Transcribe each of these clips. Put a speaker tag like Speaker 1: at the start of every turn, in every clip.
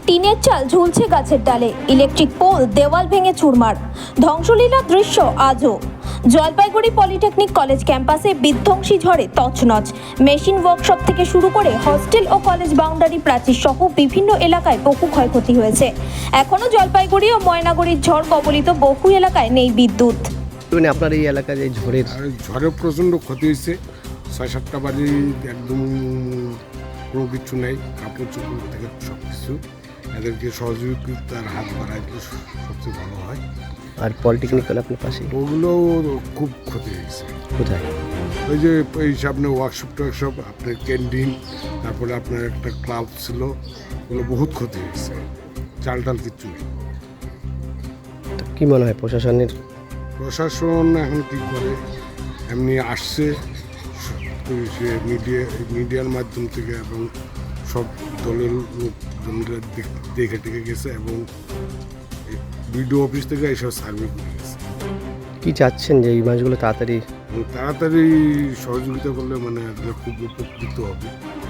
Speaker 1: টিনের চাল ঝুলছে গাছের ডালে, ইলেকট্রিক পোল দেওয়াল ভেঙে চুরমার, ধ্বংসলীলার দৃশ্য আজও। জলপাইগুড়ি পলিটেকনিক কলেজ ক্যাম্পাসে বিধ্বংসী ঝড়ে তছনছ। মেশিন ওয়ার্কশপ থেকে শুরু করে হস্টেল ও কলেজ বাউন্ডারি প্রাচীর সহ বিভিন্ন এলাকায় বহু ক্ষয়ক্ষতি হয়েছে। এখনও জলপাইগুড়ি ও ময়নাগুড়ির ঝড় কবলিত বহু এলাকায় নেই বিদ্যুৎ।
Speaker 2: আপনার এই এলাকায় যে
Speaker 3: ঝড়ে প্রচণ্ড ক্ষতি হয়েছে। 6-7টা বাড়ি একদম কোনো কিছু নেই, কাপড় চোপড় থেকে সব কিছু। এদেরকে সহযোগিতার হাত বাড়াই দিলে সবচেয়ে ভালো হয়।
Speaker 2: আর পলিটেকনিক্যাল আপনার পাশে
Speaker 3: ওগুলোও খুব ক্ষতি হয়েছে।
Speaker 2: কোথায়?
Speaker 3: ওই যে এই সামনে ওয়ার্কশপ টোয়ার্কশপ, আপনার ক্যান্টিন, তারপরে আপনার একটা ক্লাব ছিল, ওগুলো বহুত ক্ষতি হয়েছে। চাল টাল কিচ্ছু নেই।
Speaker 2: কি মনে হয় প্রশাসনের?
Speaker 3: প্রশাসন এখন কী করে, এমনি আসছে সে মিডিয়ার মাধ্যম থেকে এবং সব দলের লোকজনরা দেখে টেকে গেছে এবং বিডিও অফিস থেকে এইসব সার্ভে করে গেছে।
Speaker 2: কি চাচ্ছেন যে এই মাছগুলো তাড়াতাড়ি
Speaker 3: সহযোগিতা করলে মানে খুব উপকৃত হবে।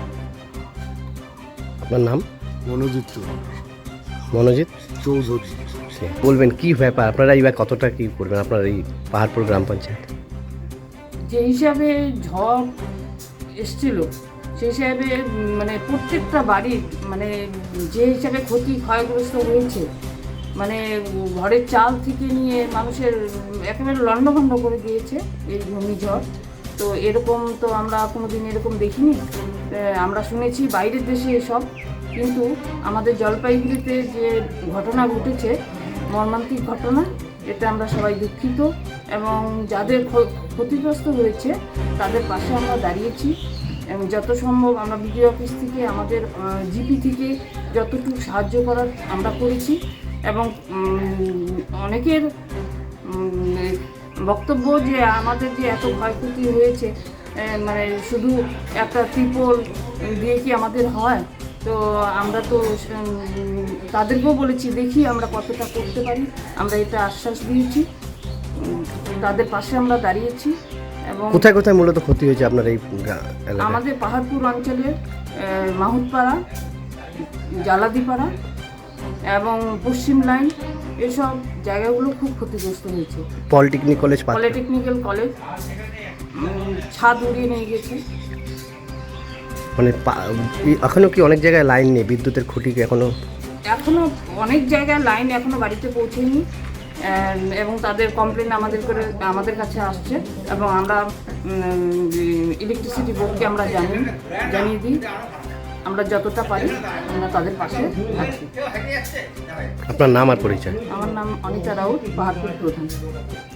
Speaker 2: আপনার নাম?
Speaker 3: মনোজিৎ চৌধুরী।
Speaker 2: বলবেন কি ব্যাপার, আপনারা এইবার কতটা কি করবেন আপনার এই পাহাড়পুর গ্রাম পঞ্চায়েত?
Speaker 4: যে হিসাবে ঝড় এসছিল সেই হিসাবে মানে প্রত্যেকটা বাড়ির মানে যে হিসাবে ক্ষয়গ্রস্ত হয়েছে, মানে ঘরের চাল থেকে নিয়ে মানুষের একেবারে লণ্ডভণ্ড করে দিয়েছে এই ঘূর্ণিঝড়। তো এরকম তো আমরা কোনোদিন এরকম দেখিনি। আমরা শুনেছি বাইরের দেশে এসব, কিন্তু আমাদের জলপাইগুড়িতে যে ঘটনা ঘটেছে, মর্মান্তিক ঘটনা, এটা আমরা সবাই দুঃখিত এবং যাদের ক্ষতিগ্রস্ত হয়েছে তাদের পাশে আমরা দাঁড়িয়েছি এবং যত সম্ভব আমরা বিডিও অফিস থেকে আমাদের জিপি থেকে যতটুকু সাহায্য করার আমরা করেছি এবং অনেকের বক্তব্য যে আমাদের যে এত ক্ষয়ক্ষতি হয়েছে, মানে শুধু একটা ত্রিপল দিয়ে কি আমাদের হয়? তো আমরা তো তাদেরকেও বলেছি দেখি আমরা কতটা করতে পারি, আমরা এটা আশ্বাস দিয়েছি, তাদের পাশে আমরা দাঁড়িয়েছি। এবং
Speaker 2: কোথায় কোথায় মূলত ক্ষতি হয়েছে আপনার এই
Speaker 4: আমাদের পাহাড়পুর অঞ্চলের মাহুতপাড়া, জালাদিপাড়া এবং পশ্চিম লাইন, এসব জায়গাগুলো খুব ক্ষতিগ্রস্ত হয়েছে। পলিটেকনিক্যাল কলেজ ছাদ উড়িয়ে নিয়ে গেছে।
Speaker 2: মানে এখনো কি অনেক জায়গায় লাইন নেই, বিদ্যুতের খুঁটি এখনো
Speaker 4: অনেক জায়গায় লাইন এখনো বাড়িতে পৌঁছেনি এবং তাদের কমপ্লেন আমাদের কাছে আসছে এবং আমরা ইলেকট্রিসিটি বোর্ডকে আমরা জানিয়ে দিই। আমরা যতটা পারি আমরা তাদের পাশে আছি।
Speaker 2: আপনার নাম আর পরিচয়?
Speaker 4: আমার নাম অনিতা রাউত, পাহাড়পুর প্রধান।